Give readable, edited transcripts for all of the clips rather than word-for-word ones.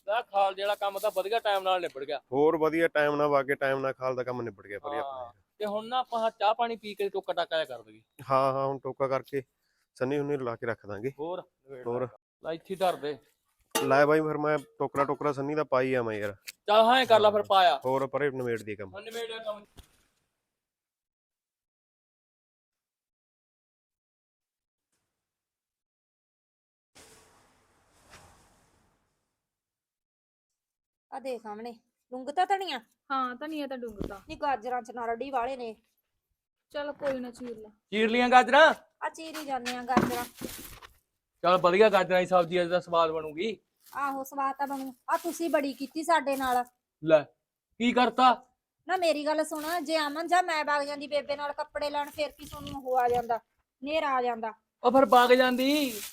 ਖਾਲ ਜਿਹੜਾ ਕੰਮ ਤਾਂ ਵਧੀਆ ਟਾਈਮ ਨਾਲ ਨਿਬੜ ਗਿਆ। ਹੋਰ ਵਧੀਆ ਟਾਈਮ ਨਾਲ ਵਾਗੇ ਟਾਈਮ ਨਾਲ ਖਾਲ ਦਾ ਕੰਮ ਨਿਬੜ ਗਿਆ ਵਧੀਆ ਆਪਣਾ। ਤੇ ਹੁਣ ਨਾ ਆਪਾਂ ਚਾਹ ਪਾਣੀ ਪੀ ਕੇ ਟੋਕਾ ਟਾਕਾ ਜਿਹਾ ਕਰ ਦਈਏ। ਹਾਂ ਹਾਂ ਹੁਣ ਟੋਕਾ ਕਰਕੇ ਸੰਨੀ ਹੁਣੀ ਲਾ ਕੇ ਰੱਖ ਦਾਂਗੇ। ਹੋਰ ਲੈ ਇੱਥੇ ਧਰ ਦੇ। ਲੈ ਬਾਈ ਫਿਰ ਮੈਂ ਟੋਕਰਾ ਸੰਨੀ ਦਾ ਪਾਈ ਆ ਮੈਂ ਯਾਰ। ਚੱਲ ਹਾਂ ਕਰ ਲਾ ਫਿਰ ਪਾਇਆ। ਹੋਰ ਪਰੇ ਨਿਬੇੜ ਦੀ ਕੰਮ। ਨਿਬੇੜਿਆ ਕੰਮ। ਆ ਦੇਖ ਸਾਹਮਣੇ ਡੁੰਗਤਾ ਧਨੀਆ। ਹਾਂ ਧਨੀਆ ਤਾਂ ਡੁੰਗਤਾ। ਨੀ ਗਾਜਰਾਂ ਚ ਨਾਰੜੀ ਵਾਲੇ ਨੇ। ਚਲ ਕੋਈ ਨਾ ਚੀਰ ਲਾ। ਚੀਰ ਲੀਆਂ ਗਾਜਰਾਂ। ਆ ਚੀਰੀ ਜਾਂਦੇ ਆ ਗਾਜਰਾਂ। ਚੱਲ ਵਧੀਆ ਗਾਜਰਾਂ ਦੀ ਸਬਜ਼ੀ ਅੱਜ ਦਾ ਸਵਾਦ ਬਣੂਗੀ। ਆਹੋ ਸਵਾਦ ਤਾਂ ਬਣੂ। ਆ ਤੁਸੀਂ ਬੜੀ ਕੀਤੀ ਸਾਡੇ ਨਾਲ। ਲੈ ਕੀ ਕਰਤਾ? ਨਾ ਮੇਰੀ ਗੱਲ ਸੁਣ, ਜੇ ਅਮਨ ਜਾਂ ਮੈਂ ਵਗ ਜਾਂਦੀ ਬੇਬੇ ਨਾਲ ਕੱਪੜੇ ਲੈਣ ਫੇਰ ਕੀ ਤੁਹਾਨੂੰ ਉਹ ਆ ਜਾਂਦਾ, ਨੇਰਾ ਆ ਜਾਂਦਾ। ਉਹ ਫਿਰ ਵਗ ਜਾਂਦੀ।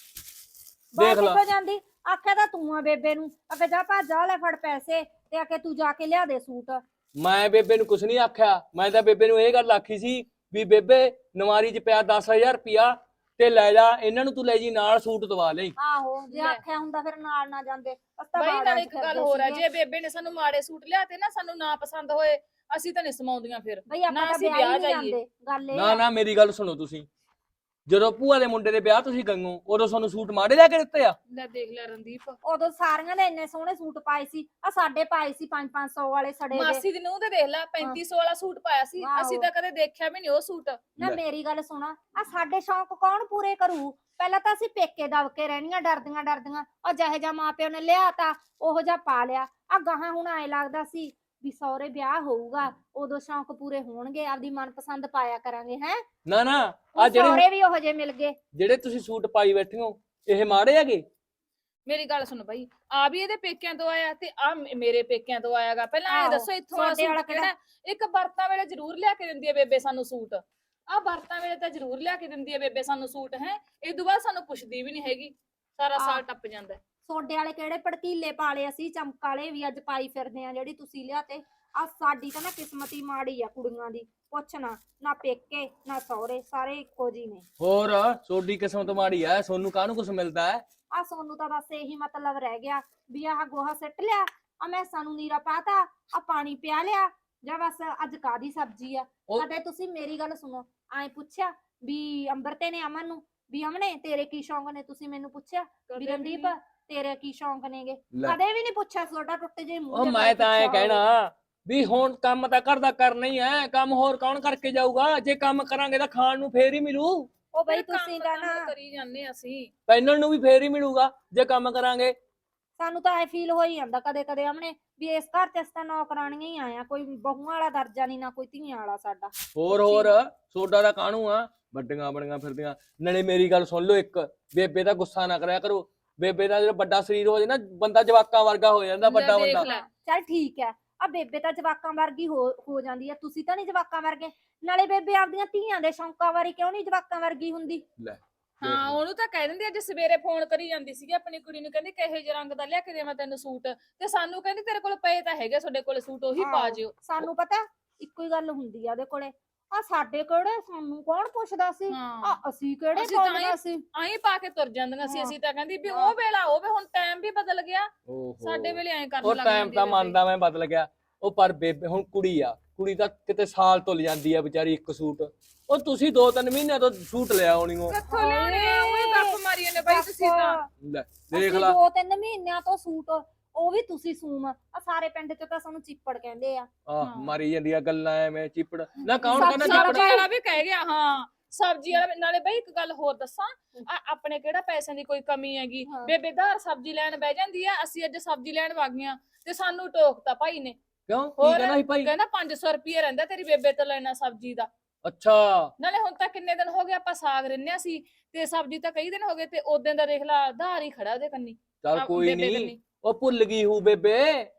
ਬਾਹਰ ਦੇਖ ਲਾ। ਕਿੱਥੋਂ ਜਾਂਦੀ? ਆਖਿਆ ਤਾਂ ਤੂੰ ਆ ਬੇਬੇ ਨੂੰ, ਅੱਗੇ ਜਾ ਭੱਜ ਆ ਲੈ ਫੜ ਪੈਸੇ ਤੇ ਆਖੇ ਤੂੰ ਜਾ ਕੇ ਲਿਆ ਦੇ ਸੂਟ। ਮੈਂ ਬੇਬੇ ਨੂੰ ਕੁਛ ਨਹੀਂ ਆਖਿਆ। ਮੈਂ ਤਾਂ ਬੇਬੇ ਨੂੰ ਇਹ ਗੱਲ ਆਖੀ ਸੀ ਵੀ ਬੇਬੇ ਨਵਾਰੀ 'ਚ ਪਿਆ 10,000 ਰੁਪਿਆ ਤੇ ਲੈ ਜਾ, ਇਹਨਾਂ ਨੂੰ ਤੂੰ ਲੈ ਜੀ ਨਾਲ ਸੂਟ ਦਵਾ ਲਈ। ਆਹੋ ਜੇ ਆਖਿਆ ਹੁੰਦਾ ਫਿਰ ਨਾਲ ਨਾ ਜਾਂਦੇ। ਬਈ ਨਾਲ ਇੱਕ ਗੱਲ ਹੋਰ ਹੈ, ਜੇ ਬੇਬੇ ਨੇ ਸਾਨੂੰ ਮਾੜੇ ਸੂਟ ਲਿਆਤੇ ਨਾ, ਸਾਨੂੰ ਨਾ ਪਸੰਦ ਹੋਏ, ਅਸੀਂ ਤਾਂ ਨਹੀਂ ਸਮਾਉਂਦੀਆਂ ਫਿਰ। ਬਈ ਆਪਾਂ ਨਾ ਤਾਂ ਅਸੀਂ ਵਿਆਹ ਵਿਆਹ ਹੀ ਨਹੀਂ ਜਾਈਏ। ਜਾਂਦੇ। ਗੱਲ ਇਹ ਨਾ ਆ। ਨਾ ਮੇਰੀ ਗੱਲ ਸੁਣੋ ਤੁਸੀਂ। ਜਦੋਂ ਭੂਆ ਦੇ ਮੁੰਡੇ ਦੇ ਵਿਆਹ ਤੁਸੀਂ ਗਈਓ ਉਦੋਂ ਤੁਹਾਨੂੰ ਸੂਟ ਮਾੜੇ ਲਿਆ ਕੇ ਦਿੱਤੇ ਆ? ਲੈ ਦੇਖ ਲੈ ਰਣਦੀਪ, ਉਦੋਂ ਸਾਰੀਆਂ ਨੇ ਇੰਨੇ ਸੋਹਣੇ ਸੂਟ ਪਾਏ ਸੀ। ਆ ਸਾਡੇ ਪਾਏ ਸੀ 500 ਵਾਲੇ ਸੜੇ ਦੇ। ਮਾਸੀ ਦੀ ਨੂੰਹ ਤੇ ਦੇਖ ਲੈ 3500 ਵਾਲਾ ਸੂਟ ਪਾਇਆ ਸੀ। ਆਹੋ। ਅਸੀਂ ਤਾਂ ਕਦੇ ਦੇਖਿਆ ਵੀ ਨਹੀਂ ਉਹ ਸੂਟ। ਨਾ ਲੈ। ਮੇਰੀ ਗੱਲ ਸੁਣਾ, ਆ ਸਾਡੇ ਸ਼ੌਂਕ ਕੌਣ ਪੂਰੇ ਕਰੂ? ਪਹਿਲਾਂ ਤਾਂ ਅਸੀਂ ਪੇਕੇ ਦਬ ਕੇ ਰਹਿਣੀਆਂ ਡਰਦੀਆਂ ਉਹ ਜਿਹੇ ਜਾ ਮਾਪਿਓ ਨੇ ਲਿਆ ਤਾਂ ਉਹੋ ਜਿਹਾ ਪਾ ਲਿਆ। ਆ ਗਾਹਾਂ ਹੁਣ ਐ ਲੱਗਦਾ ਸੀ ਵੀ ਸਹੁਰੇ ਵਿਆਹ ਹੋਊਗਾ ਉਦੋਂ ਸ਼ੌਂਕ ਪੂਰੇ ਹੋਣਗੇ, ਆਪਦੀ ਮਨਪਸੰਦ ਪਾਇਆ ਕਰਾਂਗੇ। ਹੈ ਨਾ ਨਾ ਆ ਸਹੁਰੇ ਵੀ ਉਹੋ ਜਿਹੇ ਮਿਲ ਗਏ। ਜਿਹੜੇ ਤੁਸੀਂ ਸੂਟ ਪਾਈ ਬੈਠੇ ਹੋ ਇਹ ਮਾੜੇ ਹੈਗੇ? ਮੇਰੀ ਗੱਲ ਸੁਣ ਬਈ, ਆ ਵੀ ਇਹਦੇ ਪੇਕਿਆਂ ਤੋਂ ਆਇਆ ਤੇ ਆ ਮੇਰੇ ਪੇਕਿਆਂ ਤੋਂ ਆਇਆਗਾ। ਪਹਿਲਾਂ ਇਹ ਆਹੋ, ਦੱਸੋ ਇੱਥੋਂ ਵਾਲਾ ਤੁਹਾਡੇ ਵਾਲਾ ਸੂਟ ਕਿਹੜਾ? ਇੱਕ ਵਰਤਾਂ ਵੇਲੇ ਜ਼ਰੂਰ ਲਿਆ ਕੇ ਦਿੰਦੀ ਹੈ ਬੇਬੇ ਸਾਨੂੰ ਸੂਟ। ਆ ਵਰਤਾਂ ਵੇਲੇ ਤਾਂ ਜ਼ਰੂਰ ਲਿਆ ਕੇ ਦਿੰਦੀ ਹੈ ਬੇਬੇ ਸਾਨੂੰ ਸੂਟ। ਹੈ ਇਹ ਤੋਂ ਬਾਅਦ ਸਾਨੂੰ ਪੁੱਛਦੀ ਵੀ ਨਹੀਂ ਹੈਗੀ। ਸਾਰਾ ਸਾਲ ਟੱਪ ਜਾਂਦਾ। ਸੋਡੇ ਵਾਲੇ ਕਿਹੜੇ ਭੜਕੀਲੇ ਪਾਲੇ, ਅਸੀਂ ਚਮਕ ਵਾਲੇ ਵੀ ਅੱਜ ਪਾਈ ਫਿਰਦੇ ਆ ਜਿਹੜੀ ਤੁਸੀਂ ਲਿਆਤੇ। ਆ ਸਾਡੀ ਤਾਂ ਨਾ ਕਿਸਮਤੀ ਮਾੜੀ ਆ ਕੁੜੀਆਂ ਦੀ। ਪੁੱਛ ਨਾ ਪੇਕੇ ਨਾ ਸਹੁਰੇ, ਸਾਰੇ ਇੱਕੋ ਜੀ ਨੇ। ਹੋਰ ਸੋਡੀ ਕਿਸਮਤ ਮਾੜੀ ਐ, ਸੋਨੂੰ ਕਾਹਨੂੰ ਕੁਛ ਮਿਲਦਾ ਹੈ? ਆ ਸੋਨੂੰ ਤਾਂ ਬਸ ਇਹੀ ਮਤਲਬ ਰਹਿ ਗਿਆ ਵੀ ਆਹ ਗੋਹਾ ਸਿੱਟ ਲਿਆ, ਆ ਮੈਸਾਂ ਨੂੰ ਨੀਰਾ ਪਾਤਾ, ਆ ਪਾਣੀ ਪਿਆ ਲਿਆ, ਜਾਂ ਬਸ ਅੱਜ ਕਾਦੀ ਸਬਜ਼ੀ ਆ। ਕਦੇ ਤੁਸੀਂ ਮੇਰੀ ਗੱਲ ਸੁਣੋ, ਐ ਪੁੱਛਿਆ ਵੀ ਅੰਬਰਤੇ ਨੇ ਅਮਨ ਨੂੰ ਵੀ ਅਮਨੇ ਤੇਰੇ ਕੀ ਸ਼ੌਂਕ ਨੇ? ਤੁਸੀਂ ਮੈਨੂੰ ਪੁੱਛਿਆ ਵੀ ਰਣਦੀਪ ਤੇਰੇ ਕੀ ਸ਼ੌਂਕ ਨੇਗੇ? ਕਦੇ ਵੀ ਨਹੀਂ ਪੁੱਛਿਆ। ਤੁਹਾਡਾ ਟੁੱਟੇ ਜੇ ਮੂੰਹ ਉਹ ਤੇ ਮੈਂ ਤਾਂ ਐ ਪੁੱਛਿਆ ਹੋਵੇ। ਕਹਿਣਾ ਵੀ ਹੁਣ ਕੰਮ ਤਾਂ ਘਰ ਦਾ ਕਰਨਾ ਹੀ ਐ, ਕੰਮ ਹੋਰ ਕੌਣ ਕਰਕੇ ਜਾਊਗਾ? ਜੇ ਕੰਮ ਕਰਾਂਗੇ ਤਾਂ ਖਾਣ ਨੂੰ ਫੇਰ ਹੀ ਮਿਲੂ। ਉਹ ਬਈ ਫਿਰ ਕੰਮ ਤੁਸੀਂ ਤਾਂ ਨਾ ਕਰੀ ਜਾਂਦੇ ਅਸੀਂ। ਪੈਨਲ ਨੂੰ ਵੀ ਫੇਰ ਹੀ ਮਿਲੂਗਾ ਜੇ ਕੰਮ ਕਰਾਂਗੇ। ਸਾਨੂੰ ਤਾਂ ਐ ਫੀਲ ਹੋ ਹੀ ਜਾਂਦਾ ਕਦੇ ਕਦੇ ਅਮਨੇ ਵੀ ਇਸ ਘਰ ਚ ਅਸੀਂ ਤਾਂ ਨੌਕਰਾਣੀਆਂ ਹੀ ਆਇਆ, ਕੋਈ ਬਹੂਆਂ ਵਾਲਾ ਦਰਜਾ ਨਹੀਂ, ਨਾ ਕੋਈ ਧੀਆਂ ਵਾਲਾ ਸਾਡਾ। ਹੋਰ ਸੋਡਾ ਦਾ ਕਾਹਨੂੰ ਆ, ਵੱਡੀਆਂ ਬਣੀਆਂ ਫਿਰਦੀਆਂ। ਨਾਲੇ ਮੇਰੀ ਗੱਲ ਸੁਣ ਲਓ ਇੱਕ, ਬੇਬੇ ਦਾ ਗੁੱਸਾ ਨਾ ਕਰਿਆ ਕਰੋ। ਬੇਬੇ ਦਾ ਜਿਹੜਾ ਵੱਡਾ ਸਰੀਰ ਹੋ ਜਾਏ ਨਾ, ਬੰਦਾ ਜਵਾਕਾਂ ਵਰਗਾ ਹੋ ਜਾਂਦਾ, ਵੱਡਾ ਦੇਖ ਬੰਦਾ। ਲੈ। ਚੱਲ ਠੀਕ ਹੈ, ਆ ਬੇਬੇ ਤਾਂ ਜਵਾਕਾਂ ਵਰਗੀ ਹੋ ਜਾਂਦੀ ਹੈ, ਤੁਸੀਂ ਤਾਂ ਨਹੀਂ ਜਵਾਕਾਂ ਵਰਗੇ। ਨਾਲੇ ਬੇਬੇ ਆਪਦੀਆਂ ਧੀਆਂ ਦੇ ਸ਼ੌਂਕਾਂ ਵਾਰੀ ਕਿਉਂ ਨਹੀਂ ਜਵਾਕਾਂ ਵਰਗੀ ਹੁੰਦੀ? ਲੈ ਹਾਂ ਉਹਨੂੰ ਤਾਂ ਕਹਿ ਦਿੰਦੀ। ਅੱਜ ਸਵੇਰੇ ਫੋਨ ਕਰੀ ਜਾਂਦੀ ਸੀਗੀ ਆਪਣੀ ਕੁੜੀ ਨੂੰ, ਕਹਿੰਦੀ ਕਿਹੋ ਜਿਹੇ ਰੰਗ ਦਾ ਲਿਆ ਕੇ ਦੇਵਾਂ ਤੈਨੂੰ ਸੂਟ? ਤੇ ਸਾਨੂੰ ਕਹਿੰਦੀ ਤੇਰੇ ਕੋਲ ਪਏ ਤਾਂ ਹੈਗੇ, ਤੁਹਾਡੇ ਕੋਲ ਸੂਟ, ਉਹੀ ਪਾ ਜਿਓ। ਸਾਨੂੰ ਪਤਾ ਇੱਕੋ ਹੀ ਗੱਲ ਹੁੰਦੀ ਆ ਉਹਦੇ ਕੋਲੇ। ਆ ਸਾਡੇ ਕਿਹੜੇ, ਸਾਨੂੰ ਕੌਣ ਪੁੱਛਦਾ ਸੀ? ਆ ਅਸੀਂ ਕਿਹੜੇ ਪਾਉਂਦੀਆਂ ਸੀ? ਆਹੀਂ ਪਾ ਕੇ ਤੁਰ ਜਾਂਦੀਆਂ ਸੀ ਅਸੀਂ ਤਾਂ। ਕਹਿੰਦੀ ਵੀ ਉਹ ਵੇਲਾ ਹੋਵੇ, ਹੁਣ ਟਾਈਮ ਵੀ ਬਦਲ ਗਿਆ। ਸਾਡੇ ਵੇਲੇ ਐਂ ਕਰਨ ਉਹ ਲੱਗ ਟਾਈਮ ਤਾਂ ਮੰਨਦਾ ਮੈਂ ਬਦਲ ਗਿਆ। ਉਹ ਪਰ ਬੇਬੇ ਹੁਣ ਕੁੜੀ ਆ, ਕੁੜੀ ਤਾਂ ਕਿਤੇ ਸਾਲ ਤੁੱਲ ਜਾਂਦੀ ਆ ਵਿਚਾਰੀ ਇੱਕ ਸੂਟ। ਉਹ ਤੁਸੀਂ 2-3 ਮਹੀਨਿਆਂ ਤੋਂ ਸੂਟ ਲਿਆ ਹੋਣੀ ਉਹ। ਕਿੱਥੋਂ ਲਿਆਉਣੇ ਆ? ਉਹੀ ਗੱਪ ਮਾਰੀਆਂ ਨੇ ਬਈ ਤੁਸੀਂ ਤਾਂ। ਲੈ ਦੇਖ ਲਾ। 2-3 ਮਹੀਨਿਆਂ ਤੋਂ ਸੂਟ, ਉਹ ਵੀ ਤੁਸੀਂ ਸੂਮ। ਆ ਸਾਰੇ ਪਿੰਡ ਚ ਤਾਂ ਸਾਨੂੰ ਚਿੱਪੜ ਕਹਿੰਦੇ ਆ। ਆਹ ਮਾਰੀ ਜਾਂਦੀਆਂ ਗੱਲਾਂ ਐਵੇਂ ਚਿੱਪੜ ਨਾ। ਕੌਣ ਕਹਿੰਦਾ ਸਬਜ਼ੀ ਚਿੱਪੜ? ਵਾਲਾ ਵੀ ਕਹਿ ਗਿਆ। ਹਾਂ ਸਬਜ਼ੀ ਵਾਲਾ। ਨਾਲੇ ਬਈ ਇੱਕ ਗੱਲ ਹੋਰ ਦੱਸਾਂ, ਆਪਣੇ ਕਿਹੜਾ ਪੈਸਿਆਂ ਦੀ ਕੋਈ ਕਮੀ ਹੈਗੀ? ਬੇਬੇ ਧਾਰ ਸਬਜ਼ੀ ਲੈਣ ਬਹਿ ਜਾਂਦੀ ਆ, ਅਸੀਂ ਅੱਜ ਸਬਜ਼ੀ ਲੈਣ ਵਗ ਗਈਆਂ ਤੇ ਸਾਨੂੰ ਟੋਕਤਾ ਭਾਈ ਨੇ। ਕਿਉਂ ਕੀ ਕਹਿੰਦਾ ਸੀ ਭਾਈ? ਕਹਿੰਦਾ 500 ਰੁਪਏ ਰਹਿੰਦਾ ਤੇਰੀ ਬੇਬੇ ਤੋਂ ਲੈਣਾ ਸਬਜ਼ੀ ਦਾ। ਅੱਛਾ। ਨਾਲੇ ਹੁਣ ਤਾਂ ਕਿੰਨੇ ਦਿਨ ਹੋ ਗਏ ਆਪਾਂ ਸਾਗ ਰਿੰਨਿਆ ਸੀ ਤੇ ਸਬਜ਼ੀ ਤਾਂ ਕਈ ਦਿਨ ਹੋ ਗਏ, ਤੇ ਉਦੋਂ ਦਾ ਦੇਖ ਲਾ ਧਾਰ ਹੀ ਖੜਾ ਉਹਦੇ ਕੰਨੀ। ਚੱਲ ਕੋਈ ਨਹੀਂ, ਉਹ ਭੁੱਲ ਗਈ ਹੂ ਬੇਬੇ।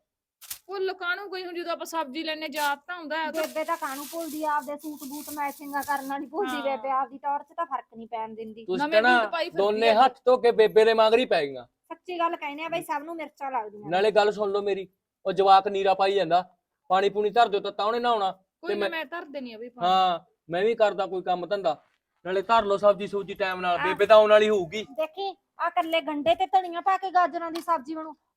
ਭੁੱਲ ਕਾਹਨੂੰ ਗਈ ਹੁਣ, ਜਦੋਂ ਆਪਾਂ ਸਬਜ਼ੀ ਲੈਣੇ ਯਾਦ ਤਾਂ ਹੁੰਦਾ। ਬੇਬੇ ਤਾਂ ਕਾਹਨੂੰ ਭੁੱਲਦੀ ਆ? ਆਪਦੇ ਸੂਟ ਬੂਟ ਮੈਚਿੰਗਾਂ ਕਰਨਾ ਨਹੀਂ ਭੁੱਲਦੀ ਬੇਬੇ। ਆਪਦੀ ਟੌਰ ਚ ਤਾਂ ਫਰਕ ਨਹੀਂ ਪੈਣ ਦਿੰਦੀ। ਤੁਸੀਂ ਕਹਿੰਦਾ ਦੋਨੇ ਹੱਥ ਧੋ ਕੇ ਬੇਬੇ ਦੇ ਮਗਰ ਹੀ ਪੈ ਗਈਆਂ। ਸੱਚੀ ਗੱਲ ਕਹਿੰਦੇ ਆ ਬਈ, ਸਭ ਨੂੰ ਮਿਰਚਾਂ ਲੱਗਦੀਆਂ। ਨਾਲੇ ਗੱਲ ਸੁਣ ਲਓ ਮੇਰੀ, ਉਹ ਜਵਾਕ ਨੀਰਾ ਪਾਈ ਜਾਂਦਾ, ਪਾਣੀ ਪੂਣੀ ਧਰ ਦਿਓ ਤਾਂ ਉਹਨੇ ਨਹਾਉਣਾ। ਕੋਈ ਨਾ ਮੈਂ ਧਰ ਦੇਣੀ ਆ ਬਈ। ਹਾਂ ਮੈਂ ਵੀ ਕਰਦਾ ਕੋਈ ਕੰਮ ਧੰਦਾ। ਨਾਲੇ ਧਰ ਲਓ ਸਬਜ਼ੀ ਸੂਜੀ ਟਾਈਮ ਨਾਲ, ਬੇਬੇ ਤਾਂ ਆਉਣ ਵਾਲੀ ਹੋਊਗੀ। ਦੇਖੀ ਆ ਕੱਲੇ ਗੰਡੇ ਤੇ ਧਨੀਆ ਪਾ ਕੇ ਗਾਜਰਾਂ ਦੀ ਸਬਜ਼ੀ ਬਣੂ।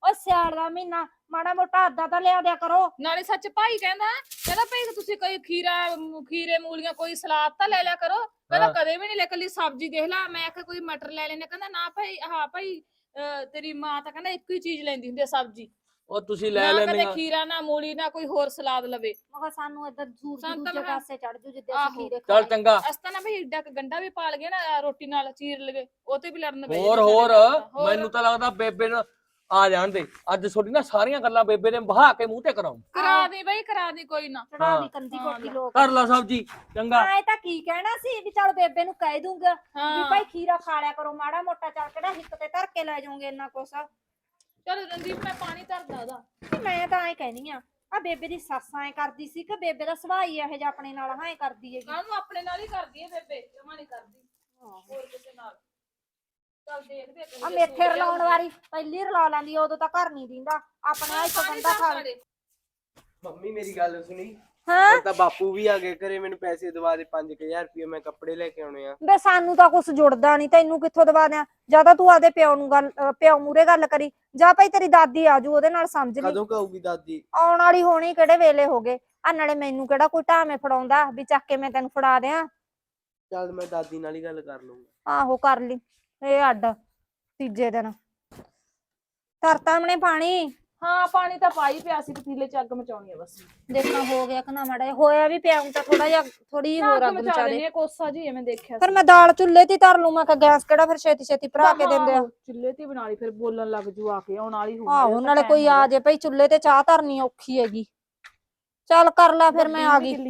ਓ ਸਿਆਲ ਦਾ ਮਹੀਨਾ ਮਾੜਾ ਮੋਟਾ ਅੱਧਾ ਤਾਂ ਲਿਆ ਦਿਆ ਕਰੋ। ਨਾਲੇ ਸੱਚ ਭਾਈ ਕਹਿੰਦਾ ਭਾਈ ਤੁਸੀਂ ਕੋਈ ਖੀਰੇ ਮੂਲੀਆਂ ਕੋਈ ਸਲਾਦ ਤਾਂ ਲੈ ਲਿਆ ਕਰੋ। ਕਹਿੰਦਾ ਕਦੇ ਵੀ ਨਹੀਂ ਲੈ, ਕੱਲੀ ਸਬਜ਼ੀ ਦੇਖ ਲੈ। ਮੈਂ ਆਖਿਆ ਕੋਈ ਮਟਰ ਲੈ ਲੈਣੇ, ਕਹਿੰਦਾ ਨਾ ਭਾਈ ਹਾਂ ਭਾਈ ਤੇਰੀ ਮਾਂ ਤਾਂ ਕਹਿੰਦਾ ਇੱਕੋ ਹੀ ਚੀਜ਼ ਲੈਂਦੀ ਹੁੰਦੀ ਆ ਸਬਜ਼ੀ। ਉਹ ਤੁਸੀਂ ਲੈ ਨਾ ਲੈਣੇ ਕਦੇ ਖੀਰਾ ਨਾ ਮੂਲੀ ਨਾ ਕੋਈ ਹੋਰ ਸਲਾਦ ਲਵੇ। ਮਗਾ ਸਾਨੂੰ ਇੱਧਰ ਦੂਰ ਸਾਨੂੰ ਤਾਂ ਦੂਜੇ ਮੈਂ- ਪਾਸੇ ਚੜ ਜੂ ਜਿੱਦੇ ਆਹੋ। ਅਸੀਂ ਖੀਰੇ ਚੱਲ ਖਾਏ। ਚੰਗਾ। ਅਸਤਾ ਨਾ ਭਾਈ ਏਡਾ ਗੰਡਾ ਵੀ ਪਾਲ ਗਿਆ ਨਾ ਰੋਟੀ ਨਾਲ ਚੀਰ ਲਵੇ, ਉਹ ਤੇ ਵੀ ਲੜਨ ਬਹਿ ਹੋਰ ਜਾਂਦੇ ਹੋਰ ਸਾਡੇ ਨਾਲ। ਹੋਰ। ਮੈਨੂੰ ਤਾਂ ਲੱਗਦਾ ਬੇਬੇ ਨੂੰ ਆ ਜਾਣ ਦੇ। ਅੱਜ ਤੁਹਾਡੀ ਨਾ ਸਾਰੀਆਂ ਗੱਲਾਂ ਬੇਬੇ ਨੇ ਬਹਾ ਕੇ ਮੂੰਹ ਤੇ ਕਰਾਉਂ। ਕਰਾ ਦੇ ਬਈ ਕਰਾ ਦੇ, ਕੋਈ ਨਾ ਚੜਾ ਹਾਂ। ਦੀ ਕੰਦੀ ਹਾਂ, ਕੋਠੀ ਲੋਕ ਕਰ ਲਾ ਸਬਜੀ ਚੰਗਾ। ਆਏ ਤਾਂ ਕੀ ਕਹਿਣਾ ਸੀ ਵੀ ਚੱਲ ਬੇਬੇ ਨੂੰ ਕਹਿ ਦੂੰਗਾ ਵੀ ਹਾਂ ਭਾਈ ਖੀਰਾ ਖਾ ਲਿਆ ਕਰੋ ਮਾੜਾ ਮੋਟਾ, ਚੱਲ ਕਿਹੜਾ ਹਿੱਕ ਤੇ ਧਰ ਕੇ ਲੈ ਜਾਓਗੇ ਇੰਨਾ ਕੁਛ। ਚਲ ਰਣਦੀਪ ਮੈਂ ਪਾਣੀ ਧਰਦਾ ਉਹਦਾ। ਤੇ ਮੈਂ ਤਾਂ ਐ ਕਹਿਨੀ ਆ ਬੇਬੇ ਦੀ ਸੱਸ ਐ ਕਰਦੀ ਸੀ ਕਿ ਬੇਬੇ ਦਾ ਸੁਭਾਅ ਹੀ ਇਹੋ ਜਿਹਾ ਆਪਣੇ ਨਾਲ ਹਾਂ ਕਰਦੀ ਹੈਗੀ। ਕਾਹਨੂੰ ਆਪਣੇ ਨਾਲ ਹੀ ਕਰਦੀ ਹੈ ਬੇਬੇ, ਜਮਾ ਨਹੀਂ ਕਰਦੀ ਹੋਰ ਕਿਸੇ ਨਾਲ। ਚੱਲ ਦੇਖਦੇ ਆ ਮੇਥੇ ਰਲਾਉਣ ਵਾਲੀ ਪਹਿਲੀ ਰਲਾ ਲੈਂਦੀ, ਉਦੋਂ ਤਾਂ ਘਰ ਨਹੀਂ ਦਿੰਦਾ ਆਪਣੇ ਆ ਇੱਕ ਬੰਦਾ ਖਾ ਲੈ। ਮੰਮੀ ਮੇਰੀ ਗੱਲ ਸੁਣੀ। ਹਾਂ ਹੁਣ ਤਾਂ ਬਾਪੂ ਵੀ ਆ ਗਏ ਘਰੇ, ਮੈਨੂੰ ਪੈਸੇ ਦਵਾ ਦੇ 5000 ਰੁਪਏ, ਮੈਂ ਕੱਪੜੇ ਲੈ ਕੇ ਆਉਣੇ ਆ। ਬੇ ਸਾਨੂੰ ਤਾਂ ਕੁਛ ਜੁੜਦਾ ਨਹੀਂ, ਤੈਨੂੰ ਕਿੱਥੋਂ ਦਵਾ ਦਿਆਂ? ਜਾਂ ਤਾਂ ਤੂੰ ਆਦੇ ਪਿਓ ਨੂੰ ਪਿਓ ਮੂਰੇ ਗੱਲ ਕਰੀ, ਜਾਂ ਭਾਈ ਤੇਰੀ ਦਾਦੀ ਆਜੂ ਉਹਦੇ ਨਾਲ ਸਮਝ ਲਈ। ਕਦੋਂ ਕਹੂਗੀ ਦਾਦੀ? ਆਉਣ ਵਾਲੀ ਹੋਣੀ, ਕਿਹੜੇ ਵੇਲੇ ਹੋ ਗਏ ਆ। ਨਾਲੇ ਮੈਨੂੰ ਕਿਹੜਾ ਕੋਈ ਢਾਵੇਂ ਫੜਾਉਂਦਾ ਵੀ ਚੱਕ ਕੇ ਮੈਂ ਤੈਨੂੰ ਫੜਾ ਦਿਆਂ। ਚੱਲ ਮੈਂ ਦਾਦੀ ਨਾਲ ਹੀ ਗੱਲ ਕਰ ਲੂੰਗਾ। ਆਹੋ ਕਰ ਲਈ। ਇਹ ਅੱਡ ਤੀਜੇ ਦਿਨ ਧਰਤਾ ਮਨੇ ਪਾਣੀ। ਹਾਂ ਪਾਣੀ ਤਾਂ ਪਾਈ ਪਿਆ ਸੀ, ਪਤੀਲੇ ਚ ਅੱਗ ਮਚਾਉਣੀ ਆ ਬਸ। ਦੇਖਣਾ ਹੋ ਗਿਆ ਕਿ ਨਾ ਮਾੜਾ ਹੋਇਆ ਵੀ ਪਿਆ ਤਾਂ ਥੋੜਾ ਜਿਹਾ ਥੋੜੀ ਹੋਰ ਅੱਗ ਮਚਾ ਦੇ। ਕੋਸਾ ਜੀ ਮੈਂ ਦੇਖਿਆ ਫਿਰ ਮੈਂ ਦਾਲ ਚੁੱਲ੍ਹੇ ਤੇ ਧਰ ਲੂ, ਮੈਂ ਕਿਹਾ ਗੈਸ ਕਿਹੜਾ ਫਿਰ ਛੇਤੀ ਛੇਤੀ ਭਰਾ ਕੇ ਦਿੰਦੇ ਆ। ਚੁੱਲ੍ਹੇ ਤੇ ਬਣਾ ਲਈ, ਫਿਰ ਬੋਲਣ ਲੱਗ ਜੂ ਆ ਕੇ, ਆਉਣ ਵਾਲੀ ਆਹੋ ਨਾਲੇ ਕੋਈ ਆ ਜੇ ਭਾਈ, ਚੁੱਲ੍ਹੇ ਤੇ ਚਾਹ ਧਰਨੀ ਔਖੀ ਹੈਗੀ। ਚੱਲ ਕਰ ਲੈ ਫਿਰ, ਮੈਂ ਆ ਗਈ।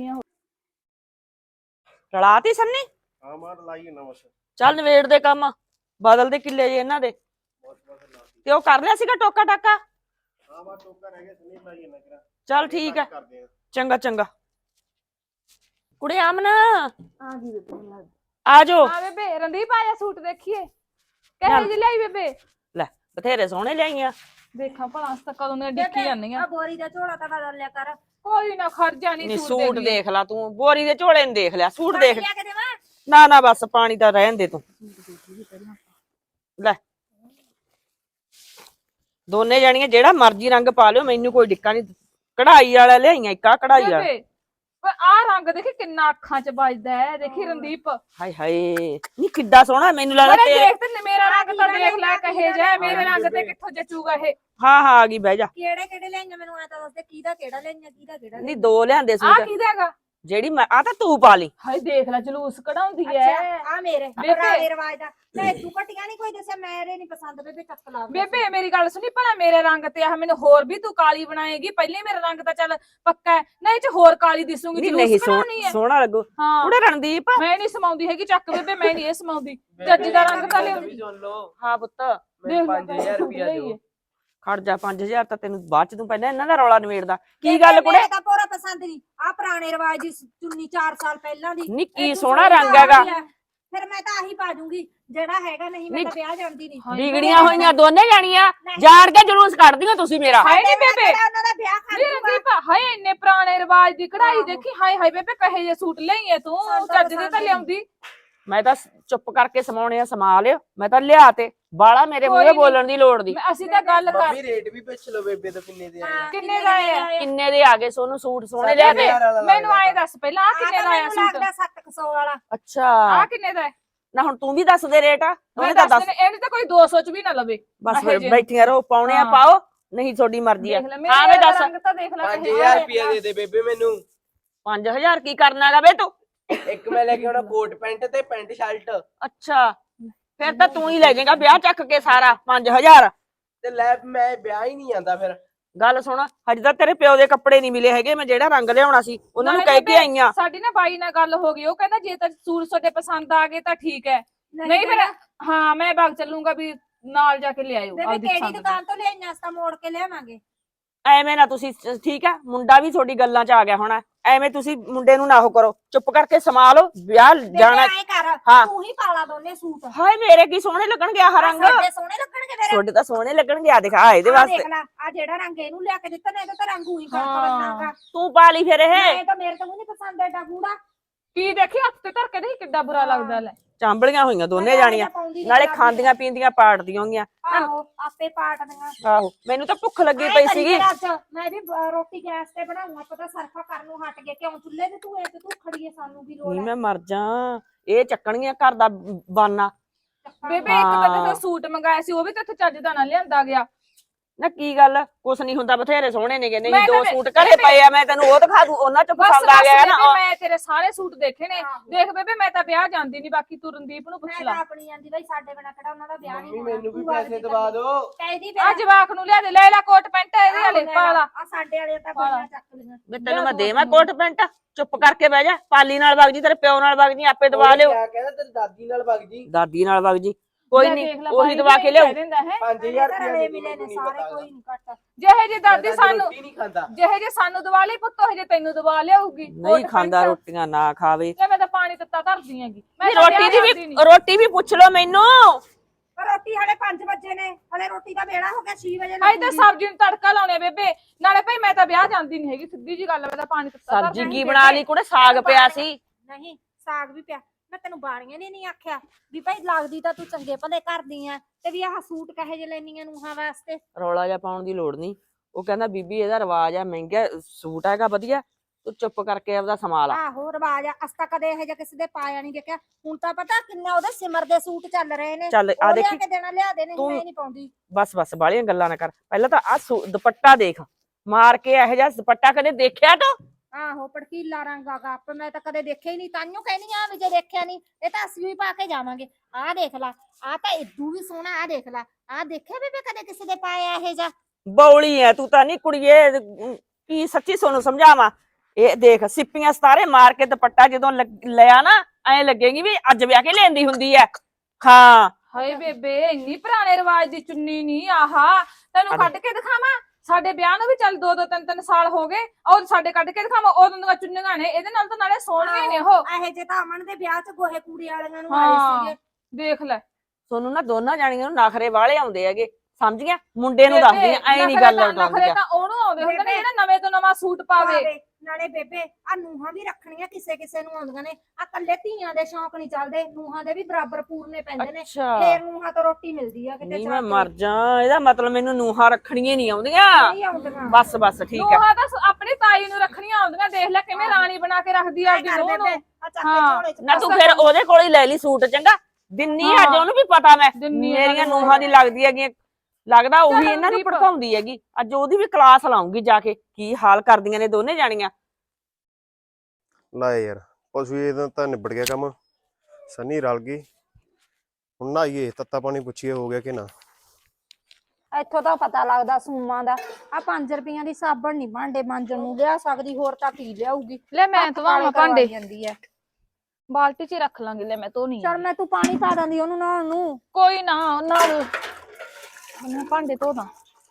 ਰਲਾਤੀ ਸੰਨੀ? ਹਾਂ ਮਾਰ ਲਾਈ ਨਾ ਬਸ। ਚੱਲ ਨਵੇੜ ਦੇ ਕੰਮ, ਬਦਲ ਦੇ ਕਿੱਲੇ ਜੇ ਇਹਨਾਂ ਦੇ। ਤੇ ਉਹ ਕਰ ਲਿਆ ਸੀਗਾ ਟੋਕਾ ਟਾਕਾ? ਹਾਂ ਬਾ ਟੋਕਾ ਰਹਿ ਗਿਆ, ਸੁਣੀ ਲਾਈ ਨਾ ਕਰਾ। ਚੱਲ ਠੀਕ ਹੈ, ਕਰਦੇ ਆ। ਚੰਗਾ ਚੰਗਾ। ਕੁੜੇ ਆਮਨ ਆ ਗਈ ਬੇਬੇ। ਆ ਜਾਓ। ਹਾਂ ਬੇਬੇ ਰਣਦੀਪ ਆਇਆ ਸੂਟ ਦੇਖੀਏ ਕਹੇ ਜੀ ਲਈ ਬੇਬੇ। ਲੈ ਬਥੇਰੇ ਸੋਹਣੇ ਲਿਆਈਆਂ। ਦੇਖਾਂ ਭਲਾ ਅਸ ਤਾਂ ਕਦੋਂ ਦੀਆਂ ਡਿੱਕੀ ਜਾਂਦੀਆਂ। ਆ ਬੋਰੀ ਦਾ ਝੋਲਾ ਤਾਂ ਬਦਲ ਲਿਆ ਕਰ। ਕੋਈ ਨਾ ਖਰਜਾ ਨਹੀਂ ਨਹੀਂ ਸੂਟ ਸੂਟ ਦੇਖ ਲਾ ਤੂੰ, ਬੋਰੀ ਦੇ ਝੋਲੇ ਨੂੰ ਦੇਖ ਲਿਆ, ਸੂਟ ਦੇਖ। ਲਿਆ ਕੇ ਦੇਵਾਂ? ਨਾ ਨਾ ਬਸ ਪਾਣੀ ਤਾਂ ਰਹਿਣ ਦੇ ਤੂੰ। ਲੈ ਦੋਨੇ ਜਾਣੀਆਂ ਜਿਹੜਾ ਮਰਜ਼ੀ ਰੰਗ ਪਾ ਲਿਓ, ਮੈਨੂੰ ਕੋਈ ਡਿੱਕਾ ਨਹੀਂ। ਕਢਾਈ ਵਾਲਾ ਲਿਆਈਆਂ, ਇੱਕ ਆ ਕਢਾਈ ਵਾਲਾ। ਬੇਬੇ ਓਏ ਆ ਰੰਗ ਦੇਖੀ ਕਿੰਨਾ ਅੱਖਾਂ 'ਚ ਵੱਜਦਾ ਹੈ, ਦੇਖੀ ਰਣਦੀਪ। ਹਾਏ ਹਾਏ ਨਹੀਂ ਕਿੱਡਾ ਸੋਹਣਾ, ਮੈਨੂੰ ਲੱਗਦਾ ਅਰੇ ਤੇਰੇ। ਦੇਖ ਤੇ ਮੇਰਾ ਰੰਗ ਤਾਂ ਦੇਖ ਲੈ ਕਹੇ ਜਾ, ਮੇਰੇ ਰੰਗ ਤੇ ਕਿੱਥੋਂ ਜਚੂਗਾ ਇਹ। ਹਾਂ ਹਾਂ ਆ ਗਈ, ਬਹਿ ਜਾ। ਕਿਹੜੇ ਕਿਹੜੇ ਲੈਣੀਆਂ ਮੈਨੂੰ ਐ ਤਾਂ ਦੱਸ ਦੇ, ਕਿਹਦਾ ਕਿਹੜਾ ਲੈਣੀਆਂ ਕਿਹਦਾ ਕਿਹੜਾ ਨਹੀਂ ਦੋ ਲਿਆਂਦੇ ਆ ਸੂਟ। ਕਿਹਦਾ ਹੈਗਾ? ਜਿਹੜੀ ਮੈਂ ਆ ਤਾਂ ਤੂੰ ਪਾ ਲਈ। ਹਾਏ ਦੇਖ ਲੈ ਜਲੂਸ ਕਢਾਉਂਦੀ ਐ। ਆ ਮੇਰੇ ਬੇਬੇ। ਪੁਰਾਣੇ ਰਿਵਾਜ ਦਾ ਲੈ, ਤੂੰ ਘਟੀਆਂ ਨਹੀਂ ਕੋਈ ਦੱਸਿਆ, ਮੇਰੇ ਨਹੀਂ ਪਸੰਦ ਬੇਬੇ, ਚੱਕ ਲਾ। ਬੇਬੇ ਮੇਰੀ ਗੱਲ ਸੁਣੀ, ਭਲਾ ਮੇਰੇ ਰੰਗ ਤੇ ਆ ਮੈਨੂੰ ਹੋਰ ਵੀ ਤੂੰ ਕਾਲੀ ਬਣਾਏਗੀ? ਪਹਿਲੇ ਮੇਰਾ ਰੰਗ ਤਾਂ ਚੱਲ ਪੱਕਾ ਹੈ, ਨਹੀਂ ਚ ਹੋਰ ਕਾਲੀ ਦਿਸੂਗੀ। ਨਹੀਂ ਜਲੂਸ ਨਹੀਂ ਕਢਾਉਣੀ ਹੈ। ਸੋਹਣਾ ਲੱਗੂ। ਹਾਂ ਕੁੜੇ ਰਣਦੀਪ। ਮੈਂ ਨਹੀਂ ਸਮਾਉਂਦੀ ਹੈਗੀ, ਚੱਕ ਬੇਬੇ ਮੈਂ ਨਹੀਂ ਇਹ ਸਮਾਉਂਦੀ। ਜੱਜੀ ਦਾ ਰੰਗ ਤਾਂ ਲਿਆਉਂਦੀ। ਵੀ ਸੁਣ ਲਓ, ਹਾਂ ਪੁੱਤ ਮੈਨੂੰ 5000 ਰੁਪਏ ਦਿਓ। ਖੜ ਜਾ, 5000 ਤਾਂ ਤੈਨੂੰ ਬਾਅਦ ਚ, ਤੂੰ ਪਹਿਲਾਂ ਇਹਨਾਂ ਦਾ ਰੌਲਾ ਨਿਬੇੜਦਾ। ਕੀ ਗੱਲ ਕੁੜੇ? ਮੇਰੇ ਤਾਂ ਪੂਰਾ ਪਸੰਦ ਨਹੀਂ ਆ ਪੁਰਾਣੇ ਰਿਵਾਜ ਦੀ ਚੁੰਨੀ 4 ਸਾਲ ਪਹਿਲਾਂ ਦੀ। ਨੀ ਕੀ ਇਹ ਤੂੰ ਸੋਹਣਾ ਸੋਹਣੀ ਰੰਗ ਹੈਗਾ। ਆ। ਫਿਰ ਮੈਂ ਤਾਂ ਆਹੀ ਪਾ ਦੂੰਗੀ ਜਿਹੜਾ ਹੈਗਾ, ਨਹੀਂ ਮੈਂ ਤਾਂ ਵਿਆਹ ਜਾਂਦੀ ਨਹੀਂ। ਵਿਗੜੀਆਂ ਹੋਈਆਂ ਦੋਨੇ ਜਾਣੀਆਂ, ਜਾਣ ਕੇ ਜਲੂਸ ਕੱਢਦੀਆਂ ਤੁਸੀਂ ਮੇਰਾ। ਹਾਏ ਨੀ ਬੇਬੇ, ਉਹਨਾਂ ਦਾ ਵਿਆਹ ਕਰ ਨੀ ਰਣਦੀਪ, ਹਾਏ ਇੰਨੇ ਪੁਰਾਣੇ ਰਿਵਾਜ ਦੀ ਕਢਾਈ ਦੇਖੀ। ਹਾਏ ਹਾਏ ਬੇਬੇ ਕਹੇ ਜੇ ਸੂਟ ਲਈਏ ਤੂੰ, ਚੱਜ ਦੇ ਤਾਂ ਲਿਆਉਂਦੀ। ਮੈਂ ਤਾਂ ਚੁੱਪ ਕਰਕੇ ਸਮਾਉਣੇ ਆ, ਸਮਾ ਲਿਓ। ਮੈਂ ਤਾਂ ਲਿਆ ਤੇ ਬਾਲਾ ਮੇਰੇ ਮੂਹਰੇ ਬੋਲਣ ਦੀ ਲੋੜ ਦੀ। ਅਸੀਂ ਤਾਂ ਗੱਲ ਕਰ। ਮੰਮੀ ਰੇਟ ਵੀ ਪੁੱਛ ਲਓ ਬੇਬੇ ਤੋਂ ਕਿੰਨੇ ਦੇ ਆਏ। ਕਿੰਨੇ ਦਾ ਆਇਆ? ਕਿੰਨੇ ਦੇ ਆ ਗਏ ਸੋਨੂੰ ਸੂਟ ਸੋਹਣੇ ਲਿਆ ਤੇ? ਮੈਨੂੰ ਆਏ ਦੱਸ ਪਹਿਲਾਂ, ਆ ਕਿੰਨੇ ਦਾ ਆਇਆ ਸੂਟ? 700 ਵਾਲਾ। ਅੱਛਾ ਆ ਕਿੰਨੇ ਦਾ ਹੈ? ਨਾ ਹੁਣ ਤੂੰ ਵੀ ਦੱਸ ਦੇ rate। ਮੈਂ ਉਹਨੇ ਤਾਂ ਦੱਸ ਦੱਸ। ਦੇਣੇ, ਇਹਨੇ ਤਾਂ ਕੋਈ 200 ਚ ਵੀ ਨਾ ਲਵੇ। ਬਸ ਇਹੋ ਜਿਹੇ। ਬੈਠੀਆਂ ਰਹੋ, ਪਾਉਣੇ ਆ ਹਾਂ। ਪਾਓ, ਨਹੀਂ ਤੁਹਾਡੀ ਮਰਜ਼ੀ ਆ। ਦੇਖ ਲੈ ਹਾਂ ਵੇ ਮੇਰੇ ਦੱਸ। ਰੰਗ ਤਾਂ ਦੇਖ ਲੈ। 5000 ਰੁਪਏ ਦੇ ਦੇ ਬੇਬੇ ਮੈਨੂੰ। 5000 ਕੀ ਕਰਨਾ ਹੈਗਾ ਵੇ ਤੂੰ? ਇੱਕ ਮੈਂ ਲੈ ਕੇ ਆਉਣਾ ਕੋਟ ਪੈਂਟ ਤੇ ਪੈਂਟ ਸ਼ਰਟ। ਅੱਛਾ ਫਿਰ ਤਾਂ ਤੂੰ ਹੀ ਲੈ ਜਾਏਗਾ ਵਿਆਹ ਚੱਕ ਕੇ ਸਾਰਾ 5000। ਤੇ ਲੈ ਮੈਂ ਵਿਆਹ ਹੀ ਨਹੀਂ ਜਾਂਦਾ ਫਿਰ। ਗੱਲ ਸੁਣ, ਹਜੇ ਤਾਂ ਤੇਰੇ ਪਿਓ ਦੇ ਕੱਪੜੇ ਨਹੀਂ ਮਿਲੇ ਹੈਗੇ। ਮੈਂ ਜਿਹੜਾ ਰੰਗ ਲਿਆਉਣਾ ਸੀ ਉਹਨਾਂ ਨੂੰ ਕਹਿ ਕੇ ਆਈਆਂ। ਸਾਡੀ ਨਾ ਬਾਈ ਨਾਲ ਗੱਲ ਹੋ ਗਈ, ਉਹ ਕਹਿੰਦਾ ਜੇ ਤਾਂ ਸੂਟ ਤੁਹਾਡੇ ਪਸੰਦ ਆ ਗਏ ਤਾਂ ਠੀਕ ਹੈ, ਨਹੀਂ ਫਿਰ ਹਾਂ ਮੈਂ ਬਾਗ ਚੱਲੂੰਗਾ ਵੀ ਨਾਲ ਜਾ ਕੇ ਲਿਆਇਓ। ਬੇਬੇ ਕਿਹੜੀ ਦੁਕਾਨ ਤੋਂ ਲਿਆਈਆਂ? ਅਸਾਂ ਮੋੜ ਕੇ ਲਿਆਵਾਂਗੇ। ਐਵੇਂ ਨਾ ਤੁਸੀਂ, ਠੀਕ ਆ ਮੁੰਡਾ ਵੀ ਤੁਹਾਡੀ ਗੱਲਾਂ 'ਚ ਆ ਗਿਆ ਹੋਣਾ। ਐਵੇਂ ਤੁਸੀਂ ਮੁੰਡੇ ਨੂੰ ਨਾ ਉਹ ਕਰੋ, ਚੁੱਪ ਕਰਕੇ ਸਮਾ ਲਓ, ਵਿਆਹ ਜਾਣਾ। ਐ ਕਰ, ਹਾਂ। ਤੂੰ ਹੀ ਪਾਲਾ ਦੋਨੇ ਸੂਟ। ਹਾਏ ਮੇਰੇ ਕੀ ਸੋਹਣੇ ਲੱਗਣਗੇ ਆਹ ਰੰਗ। ਸਾਡੇ ਸੋਹਣੇ ਲੱਗਣਗੇ ਮੇਰੇ। ਤੁਹਾਡੇ ਤਾਂ ਸੋਹਣੇ ਲੱਗਣਗੇ। ਆ ਦਿਖਾ ਇਹਦੇ ਆਹ ਵਾਸਤੇ। ਦੇਖ ਲੈ, ਆ ਜਿਹੜਾ ਰੰਗ ਇਹਨੂੰ ਲਿਆ ਕੇ ਦਿੱਤਾ ਨਾ, ਇਹਦਾ ਤਾਂ ਰੰਗ ਉਹੀ ਕਰਤਾ ਬੰਨਾਗਾ। ਤੂੰ ਪਾ ਲਈ ਫਿਰ ਇਹ। ਇਹ ਤਾਂ ਮੇਰੇ ਤੋਂ ਨਹੀਂ ਪਸੰਦ ਐਡਾ ਗੂੜਾ। ਕੀ ਦੇਖੀ ਹੱਥ ਤੇ ਧਰ ਕੇ ਦੇਖ ਕਿੱਡਾ ਬੁਰਾ ਲੱਗਦਾ ਲੈ। ਚਾਂਬਲੀਆਂ ਹੋਈਆਂ ਦੋਨੇ ਜਾਣੀਆਂ, ਨਾਲੇ ਖਾਂਦੀਆਂ ਪੀਂਦੀਆਂ ਪਾੜਦੀਆਂ ਹੋਗੀਆਂ। ਆਹੋ ਆਪੇ ਪਾਟਦੀਆਂ। ਆਹੋ ਮੈਨੂੰ ਤਾਂ ਭੁੱਖ ਲੱਗੀ ਪਈ ਸੀਗੀ। ਮੈਂ ਵੀ ਰੋਟੀ ਗੈਸ ਤੇ ਬਣਾਉਂਗਾ, ਪਤਾ ਸਰਫਾ ਕਰਨ ਨੂੰ ਹਟ ਗਏ, ਕਿਉਂ ਚੁੱਲ੍ਹੇ ਤੇ ਧੂਏ ਤੇ ਤੂੰ ਖੜੀਏ, ਸਾਨੂੰ ਵੀ ਲੋੜ ਨਹੀਂ ਹੈ। ਮੈਂ ਮਰ ਜਾ, ਇਹ ਚੱਕਣਗੀਆਂ ਘਰ ਦਾ ਬਾਨਾ। ਬੇਬੇ ਇੱਕ ਤਾਂ ਤੇ ਸੂਟ ਮੰਗਾਇਆ ਸੀ, ਉਹ ਵੀ ਤੇ ਇੱਥੇ ਚੱਜ ਦਾ ਨਾ ਲਿਆਂਦਾ ਗਿਆ। ਨਾ ਕੀ ਗੱਲ, ਕੁਛ ਨਹੀਂ ਹੁੰਦਾ, ਬਥੇਰੇ ਸੋਹਣੇ ਨੇਗੇ। ਨਹੀਂ ਮੈਂ 2 ਤਾਂ- ਸੂਟ ਘਰੇ ਪਏ ਆ, ਮੈਂ ਤੈਨੂੰ ਉਹ ਦਿਖਾ ਦੂੰ, ਉਹਨਾਂ ਚ ਬਸ ਪਸੰਦ ਆ ਗਿਆ ਬੇਬੇ, ਨਾ। ਮੈਂ ਤੇਰੇ ਸਾਰੇ ਸੂਟ ਦੇਖੇ ਨੇ। ਦੇਖ ਬੇਬੇ ਮੈਂ ਤਾਂ ਵਿਆਹ ਜਾਂਦੀ ਨਹੀਂ, ਬਾਕੀ ਤੂੰ ਰਣਦੀਪ ਨੂੰ ਪੁੱਛ ਮੈਂ ਲੈ। ਤਾਂ ਆਪਣੀ ਆਂਦੀ ਬਈ ਸਾਡੇ ਬਿਨਾ ਕਿਹੜਾ ਉਹਨਾਂ ਦਾ ਵਿਆਹ ਨਹੀਂ ਮੰਮੀ ਹੋਣਾ। ਮੈਨੂੰ ਵੀ ਤੂੰ ਆਪਦੀ ਪੈਸੇ ਦਵਾ ਦਿਓ। ਕਹਿਦੀ ਆ ਜਵਾਕ ਨੂੰ ਲਿਆ ਦੇ, ਲੈ ਲੈ ਕੋਟ ਪੈਂਟ ਇਹਦੇ ਵਾਲੇ ਪਾ ਲਾ। ਆ ਸਾਡੇ ਵਾਲੇ ਤਾਂ ਬੜੀਆਂ ਚੱਕ ਲਈਆਂ। ਵੀ ਤੈਨੂੰ ਮੈਂ ਦੇਵਾਂ ਕੋਟ ਪੈਂਟ? ਚੁੱਪ ਕਰਕੇ ਬਹਿ ਜਾ, ਪਾਲੀ ਨਾਲ ਵਗ ਜੀ, ਤੇਰੇ ਪਿਓ ਨਾਲ ਵਗ ਜੀ, ਆਪੇ ਦਵਾ ਲਿਓ। ਕਿਆ ਕਹਿੰਦਾ ਤੇਰੀ ਦਾਦੀ ਨਾਲ ਵਗ ਜੀ। ਦਾਦੀ ਨਾਲ ਵਗ ਜੀ, ਕੋਈ ਲੈ ਨਹੀਂ ਦੇਖ ਲੈ ਉਹੀ ਬਾਈ ਦਵਾ ਵੀ ਕੇ ਲਿਆਓ। ਕਹਿ ਦਿੰਦਾ ਹੈ 5000 ਘਰੇ ਰੁਪਏ ਮਿਲੇ ਨੇ ਸਾਰੇ, ਕੋਈ ਨਹੀਂ ਘੱਟ। ਜਿਹੇ ਜੇ ਦਾਦੀ ਸਾਨੂੰ ਰੋਟੀ ਨਹੀਂ ਖਾਂਦਾ। ਜਿਹੇ ਜੇ ਸਾਨੂੰ ਦਵਾ ਲਈ ਪੁੱਤ, ਉਹ ਜੇ ਤੈਨੂੰ ਦਵਾ ਲਿਆਊਗੀ। ਨਹੀਂ ਖਾਂਦਾ ਰੋਟੀਆਂ, ਨਾ ਖਾਵੇ। ਜੇ ਮੈਂ ਤਾਂ ਪਾਣੀ ਦਿੱਤਾ ਧਰਦੀ ਹੈਗੀ, ਮੈਂ ਨਹੀਂ ਤਾਂ ਰੋਟੀ ਵਿਆਹ ਦੀ ਜਾਂਦੀ ਨੀ। ਵੀ ਰੋਟੀ ਵੀ ਪੁੱਛ ਲਓ ਮੈਨੂੰ। ਪਰ ਰੋਟੀ ਹਲੇ 5 ਵਜੇ ਨੇ, ਹਲੇ ਰੋਟੀ ਦਾ ਵੇਲਾ ਹੋ ਗਿਆ, 6 ਵਜੇ ਭਾਈ ਤਾਂ ਸਬਜ਼ੀ ਨੂੰ ਤੜਕਾ ਲਾਉਣੇ ਬੇਬੇ, ਨਾਲੇ ਭਾਈ ਮੈਂ ਤਾਂ ਵਿਆਹ ਜਾਂਦੀ ਨਹੀਂ ਹੈਗੀ, ਸਿੱਧੀ ਜੀ ਗੱਲ ਹੈ, ਮੈਂ ਤਾਂ ਪਾਣੀ ਦਿੱਤਾ ਸਬਜ਼ੀ ਧਰਦੀ ਕੀ ਬਣਾ ਲਈ ਕੁੜੇ? ਸਾਗ ਪਿਆ ਸੀ। ਨਹੀਂ ਸਾਗ ਵੀ ਪਿਆ। ਮੈਂ ਤੈਨੂੰ ਬਾਣੀਆਂ ਨੇ ਨਹੀਂ ਆਖਿਆ ਵੀ ਭਾਈ ਲੱਗਦੀ ਤਾਂ ਤੂੰ ਚੰਗੇ ਭਲੇ ਕਰਦੀ ਆ, ਤੇ ਵੀ ਆਹ ਸੂਟ ਕਹੇ ਜੇ ਲੈਣੀਆਂ ਨੂੰਹਾਂ ਵਾਸਤੇ। ਰੌਲਾ ਜਿਹਾ ਪਾਉਣ ਦੀ ਲੋੜ ਨਹੀਂ। ਉਹ ਕਹਿੰਦਾ ਬੀਬੀ ਇਹਦਾ ਰਿਵਾਜ ਆ, ਮਹਿੰਗਾ ਸੂਟ ਹੈਗਾ ਵਧੀਆ, ਤੂੰ ਚੁੱਪ ਕਰਕੇ ਆਪਦਾ ਸੰਭਾਲ ਆ। ਆਹੋ ਰਿਵਾਜ ਆ, ਅਸਤਾ ਕਦੇ ਇਹ ਜਿਹਾ ਕਿਸੇ ਦੇ ਪਾਇਆ ਨਹੀਂ ਦੇਖਿਆ। ਹੁਣ ਤਾਂ ਪਤਾ ਕਿੰਨਾ ਉਹਦੇ ਸਿਮਰ ਦੇ ਸੂਟ ਚੱਲ ਰਹੇ ਨੇ, ਚੱਲ ਆ ਉਹ ਲਿਆ ਦੇਖੀ, ਕੇ ਦੇਣਾ, ਲਿਆ ਦੇ, ਨਹੀਂ ਤੂੰ- ਮੈਂ ਨਹੀਂ ਪਾਉਂਦੀ। ਬਸ ਬਾਲੀਆਂ ਗੱਲਾਂ ਨਾ ਕਰ। ਪਹਿਲਾਂ ਤਾਂ ਆ ਦੁਪੱਟਾ ਦੇਖ, ਮਾਰ ਕੇ ਇਹੋ ਜਿਹਾ ਦੁਪੱਟਾ ਕਦੇ ਦੇਖਿਆ ਤੂੰ? ਆਹੋ ਪੜਕੀਲਾ ਰੰਗ ਆ ਗੱਪ, ਮੈਂ ਤਾਂ ਕਦੇ ਦੇਖਿਆ ਹੀ ਨਹੀਂ, ਤਾਂਿਓ ਕਹਿਨੀ ਆ ਵੀ ਜੇ ਦੇਖਿਆ ਨਹੀਂ ਇਹ ਤਾਂ ਅਸੀਂ ਵੀ ਪਾ ਕੇ ਜਾਵਾਂਗੇ। ਆਹ ਦੇਖ ਲਾ, ਆਹ ਤਾਂ ਇਦੂ ਵੀ ਸੋਹਣਾ, ਆਹ ਦੇਖ ਲਾ, ਆਹ ਦੇਖਿਆ ਬੇਬੇ ਕਦੇ ਕਿਸੇ ਦੇ ਪਾਇਆ ਇਹ ਜਾ? ਬੌਲੀ ਐ ਤੂੰ ਤਾਂ, ਨਹੀਂ ਕੁੜੀਏ ਕੀ ਸੱਚੀ ਸੋਨੂੰ ਸਮਝਾਵਾਂ। ਇਹ ਦੇਖ ਸਿੱਪੀਆਂ ਸਤਾਰੇ ਮਾਰ ਕੇ ਦੁਪੱਟਾ ਜਦੋਂ ਲਿਆ ਨਾ, ਐ ਲੱਗੇਗੀ ਵੀ ਅੱਜ ਵਿਆਹ ਕੇ ਲੈਂਦੀ ਹੁੰਦੀ ਐ। ਹਾਂ ਹਾਏ ਬੇਬੇ, ਇੰਨੀ ਪੁਰਾਣੇ ਰਿਵਾਜ ਦੀ ਚੁੰਨੀ ਨਹੀਂ ਆਹਾ, ਤੈਨੂੰ ਕੱਢ ਕੇ ਦਿਖਾਵਾਂ? ਸਾਡੇ ਵਿਆਹ ਨੂੰ ਵੀ ਚੱਲ 2-2 3-3 ਸਾਲ ਹੋ ਗਏ, ਉਹ ਸਾਡੇ ਕੱਢ ਕੇ ਦਿਖਾਵਾਂ? ਉਦੋਂ ਦੀਆਂ ਚੁੰਨੀਆਂ ਨੇ, ਇਹਦੇ ਨਾਲ ਤਾਂ ਨਾਲੇ ਸੋਹਣੀਆਂ ਨੇ ਉਹ। ਇਹ ਜੇ ਤਾਂ ਅਮਨ ਦੇ ਵਿਆਹ 'ਚ ਗੋਹੇ ਕੂੜੇ ਵਾਲਿਆਂ ਨੂੰ ਹਾਂ। ਆਏ ਸੀਗੇ। ਦੇਖ ਲੈ ਸੋਨੂੰ ਨਾ ਦੋਨਾਂ ਜਾਣੀਆਂ ਨੂੰ ਨਖਰੇ ਵਾਲੇ ਆਉਂਦੇ ਹੈਗੇ, ਸਮਝ ਗਿਆ? ਮੁੰਡੇ ਨੂੰ ਦੱਸਦੀਆਂ ਐ ਨਹੀਂ ਗੱਲ ਨਖਰੇ ਉਡਾਉਂਦੀਆਂ। ਤਾਂ ਉਹਨੂੰ ਆਉਂਦੇ ਹੁੰਦੇ ਨੇ ਜਿਹੜਾ ਨਵੇਂ ਤੋਂ ਨਵਾਂ ਸੂਟ ਪਾਵੇ। ਨਾਲੇ ਬੇਬੇ ਆ ਨੂਹਾਂ ਵੀ ਰੱਖਣੀਆਂ ਕਿਸੇ ਕਿਸੇ ਨੂੰ ਆਉਂਦੀਆਂ ਨੇ, ਆ ਕੱਲੇ ਧੀਆਂ ਦੇ ਸ਼ੌਂਕ ਨਹੀਂ ਚੱਲਦੇ, ਨੂਹਾਂ ਦੇ ਵੀ ਬਰਾਬਰ ਪੂਰਨੇ ਪੈਂਦੇ ਨੇ, ਅੱਛਾ ਫੇਰ ਨੂਹਾਂ ਤੋਂ ਰੋਟੀ ਮਿਲਦੀ ਆ ਕਿਤੇ ਨਹੀਂ ਜਾ ਮੈਂ ਕੇ। ਮਰ ਜਾ, ਇਹਦਾ ਮਤਲਬ ਮੈਨੂੰ ਨੂਹਾਂ ਰੱਖਣੀਆਂ ਨਹੀਂ ਆਉਂਦੀਆਂ। ਨਹੀਂ ਆਉਂਦੀਆਂ। ਬਸ ਠੀਕ ਹੈ। ਨੂੰਹਾਂ ਤਾਂ ਆਪਣੀ ਤਾਈ ਨੂੰ ਰੱਖਣੀਆਂ ਆਉਂਦੀਆਂ, ਦੇਖ ਲੈ ਕਿਵੇਂ ਰਾਣੀ ਬਣਾ ਕੇ ਰੱਖਦੀ ਆ ਆਪਦੀ ਨੂੰਹ ਨੂੰ। ਆ ਚੱਕ ਕੇ ਹਾਂ। ਝੋਲੇ 'ਚ ਨਾ ਤੂੰ ਫਿਰ ਉਹਦੇ ਕੋਲ ਹੀ ਲੈ ਲਈ ਸੂਟ, ਚੰਗਾ? ਦਿੰਨੀ ਅੱਜ ਹਾਂ। ਉਹਨੂੰ ਵੀ ਪਤਾ ਮੈਂ ਦਿੰਨੀ ਆ ਮੇਰੀਆਂ ਉਹਨੂੰ। ਨੂਹਾਂ ਦੀ ਲੱਗਦੀ ਹੈਗੀ, ਲੱਗਦਾ ਉਹੀ ਚੱਲ ਇਹਨਾਂ ਨੂੰ ਦੀਪ। ਭੜਕਾਉਂਦੀ ਹੈਗੀ। ਅੱਜ ਉਹਦੀ ਵੀ ਕਲਾਸ ਲਾਉਂਗੀ ਜਾ ਕੇ, ਕੀ ਹਾਲ ਕਰਦੀਆਂ ਨੇ ਦੋਨੇ ਜਾਣੀਆਂ। ਲੈ ਯਾਰ ਪਸ਼ੂ ਇਹਦਾ ਤਾਂ ਨਿਬੜ ਗਿਆ ਕੰਮ, ਸੰਨੀ ਰਲ ਗਈ। ਹੁਣ ਨਹਾਈਏ, ਤੱਤਾ ਪਾਣੀ ਪੁੱਛੀਏ ਹੋ ਗਿਆ ਕਿ ਨਾ। ਇੱਥੋਂ ਤਾਂ ਪਤਾ ਲੱਗਦਾ ਸੂਮਾਂ ਦਾ। ਆ 5 ਰੁਪਈਆਂ ਦੀ ਸਾਬਣ ਨਹੀਂ ਭਾਂਡੇ ਮਾਂਜਣ ਨੂੰ ਲਿਆ ਸਕਦੀ, ਹੋਰ ਤਾਂ ਕੀ ਲਿਆਊਗੀ। ਲੈ ਮੈਂ ਹੱਥ ਧਵਾਵਾਂ ਕਾਲੇ ਕਰਵਾਈ ਭਾਂਡੇ, ਜਾਂਦੀ ਹੈ। ਬਾਲਟੀ 'ਚ ਹੀ ਰੱਖ ਲਾਂਗੇ। ਲੈ ਮੈਂ ਧੋਣੀ ਚਲ ਮੈਂ ਤੂੰ ਪਾਣੀ ਪਾ ਦਿੰਦੀ ਉਹਨੂੰ ਨਹਾਉਣ ਨੂੰ। ਕੋਈ ਨਾ, ਨਾਲ ਮੈਂ ਭਾਂਡੇ ਧੋਦਾ,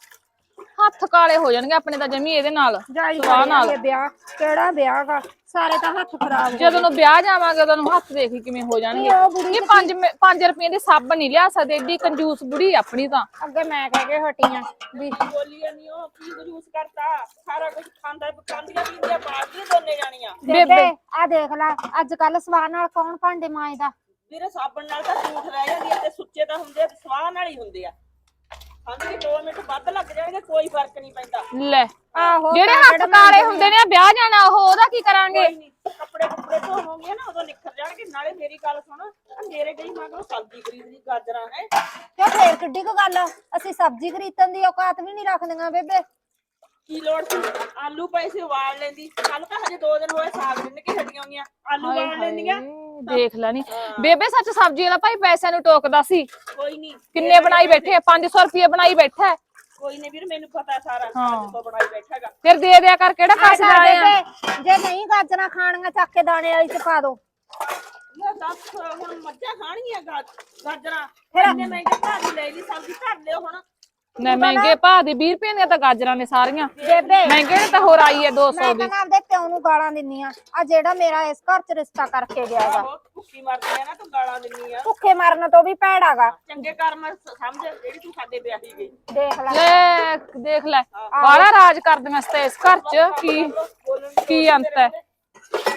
ਹੱਥ ਕਾਲੇ ਹੋ ਜਾਣਗੇ ਆਪਣੇ ਤਾਂ ਜਮੀ ਇਹਦੇ ਨਾਲ। ਜਾਈ ਸਵਾਹ ਨਾਲ। ਕਰਿਆ ਵਿਆਹ, ਕਿਹੜਾ ਵਿਆਹ ਗਾ, ਸਾਰੇ ਤਾਂ ਹੱਥ ਖਰਾਬ ਹੋ ਜਦੋਂ ਨੂੰ ਵਿਆਹ ਜਾਵਾਂਗੇ ਉਦੋਂ ਨੂੰ ਹੱਥ ਦੇਖੀ ਕਿਵੇਂ ਹੋ ਜਾਣਗੇ। ਉਹ ਬੁੜੀ ਇਹ 5 ਰੁਪਏ ਦੀ ਸਾਬਣ ਨਹੀਂ ਲਿਆ ਸਕਦੇ, ਏਡੀ ਕੰਜੂਸ ਬੁੜੀ ਆਪਣੀ ਤਾਂ। ਅੱਗੇ ਮੈਂ ਕਹਿ ਕੇ ਹਟੀਆਂ ਵੀ ਬੋਲੀਆਂ ਨਹੀਂ ਉਹ ਕੀ ਜੂਸ ਕਰਤਾ, ਸਾਰਾ ਕੁਝ ਖਾਂਦਾ ਪਕਾਉਂਦੀਆਂ ਪੀਂਦੀਆਂ ਬਾੜਦੀਆਂ ਦੋਨੇ ਜਾਣੀਆਂ। ਬੇਬੇ ਆ ਦੇਖ ਲੈ, ਅੱਜ ਕੱਲ ਸਵਾਹ ਨਾਲ ਕੌਣ ਭਾਂਡੇ ਮਾਂਜਦਾ? ਵੀਰੇ ਸਾਬਣ ਨਾਲ ਤਾਂ ਝੂਠ ਰਹਿ ਜਾਂਦੀ ਹੈ, ਤੇ ਸੁੱਚੇ ਤਾਂ ਹੁੰਦੇ ਆ, ਤੇ ਸਵਾਹ ਨਾਲ ਹੀ ਹੁੰਦੇ ਆ। ਹਾਂਜੀ 2 ਮਿੰਟ ਵੱਧ ਲੱਗ ਜਾਣਗੇ, ਕੋਈ ਫਰਕ ਨਹੀਂ ਪੈਂਦਾ। ਲੈ ਆਹੋ ਜਿਹੜੇ ਹੱਥ ਕਾਲੇ ਹੁੰਦੇ ਨੇ, ਵਿਆਹ ਜਾਣਾ ਉਹਦਾ ਕੀ ਕਰਾਂਗੇ? ਕੋਈ ਨੀ, ਕੱਪੜੇ ਧੋਵੋਗੇ ਨਾ ਉਦੋਂ ਨਿਖਰ ਜਾਣਗੇ। ਨਾਲੇ ਮੇਰੀ ਗੱਲ ਸੁਣ, ਆਹ ਮੇਰੇ ਗਈ ਮੈਂ ਕਿਹਾ ਸਬਜ਼ੀ ਖਰੀਦ ਲਈ, ਗਾਜਰਾਂ ਹੈ। ਕਿਉਂ ਫੇਰ ਕਿੱਡੀ ਕੁ ਗੱਲ ਆ? ਅਸੀਂ ਸਬਜ਼ੀ ਖਰੀਦਣ ਦੀ ਔਕਾਤ ਵੀ ਨਹੀਂ ਰੱਖਦੀਆਂ ਬੇਬੇ। ਕੀ ਲੋੜ ਸੀ? ਆਲੂ ਪਏ ਸੀ ਉਬਾਲ ਲੈਂਦੀ। ਕੱਲ ਤਾਂ ਹਜੇ 2 ਦਿਨ ਹੋਏ ਸਾਗ ਰਿੰਨ ਕੇ ਹਟੀਆਂ ਹੋਈਆਂ, ਆਲੂ ਉਬਾਲ ਲੈਂਦੀਆਂ। ਦੇਖ ਲੈ ਨੀ ਬੇਬੇ, ਸੱਚ ਸਬਜ਼ੀ ਵਾਲਾ ਭਾਈ ਪੈਸਿਆਂ ਨੂੰ ਟੋਕਦਾ ਸੀ। ਕੋਈ ਨਹੀਂ ਕਿੰਨੇ ਬਣਾਈ ਬੈਠੇ? 500 ਰੁਪਏ ਬਣਾਈ ਬੈਠਾ। ਕੋਈ ਨਹੀਂ ਵੀਰ, ਮੈਨੂੰ ਪਤਾ ਸਾਰਾ ਹਾਂ। ਜਦੋਂ ਬਣਾਈ ਬੈਠਾਗਾ। ਫਿਰ ਦੇ ਦਿਆ ਕਰ, ਕਿਹੜਾ ਪਾਸੇ ਕਰ ਜਾਏ ਆ। ਬੇਬੇ, ਜੇ ਨਹੀਂ ਗਾਜਰਾਂ ਖਾਣੀਆਂ ਚੱਕ ਕੇ ਦਾਣੇ ਵਾਲੀ ਚ ਪਾ ਦੋ। ਮੈਂ ਦੱਸ ਹੁਣ ਮੱਝਾਂ ਖਾਣਗੀਆਂ ਗਾਜਰਾਂ? ਇੰਨੇ ਮਹਿੰਗੇ ਭਾਅ ਦੀ ਲੈ ਲਈ ਸਬਜ਼ੀ, ਧਰ ਲਿਓ ਹੁਣ। ਨਾ ਮਹਿੰਗੇ ਭਾਅ ਦੀ 20 ਰੁਪਏ ਦੀਆਂ ਤਾਂ ਗਾਜਰਾਂ ਨੇ ਸਾਰੀਆਂ। ਬੇਬੇ ਮਹਿੰਗੇ ਨੇ ਤਾਂ ਹੋਰ ਆਈ ਹੈ 200 ਮੈਂ ਦੀ। ਤਾਂ ਆਪਦੇ ਪਿਓ ਨੂੰ ਗਾਲਾਂ ਦਿੰਨੀ ਆ, ਆ ਜਿਹੜਾ ਮੇਰਾ ਇਸ ਘਰ ਚ ਰਿਸ਼ਤਾ ਕਰਕੇ ਗਿਆ ਗਾ। ਆਹੋ ਭੁੱਖੀ ਮਰਦੀ ਆ ਨਾ, ਤੂੰ ਗਾਲਾਂ ਦਿੰਨੀ ਆ। ਭੁੱਖੇ ਮਰਨ ਤੋਂ ਵੀ ਭੈੜਾ ਗਾ। ਚੰਗੇ ਕਰਮ ਸਮਝ ਜਿਹੜੀ ਤੂੰ ਸਾਡੇ ਵਿਆਹੀ ਗਈ। ਦੇਖ ਲੈ ਲੈ ਦੇਖ ਲੈ, ਬਾਹਲਾ ਰਾਜ ਕਰਦੀਆਂ ਤੇ ਇਸ ਘਰ ਚ ਕੀ ਅੰਤ ਹੈ।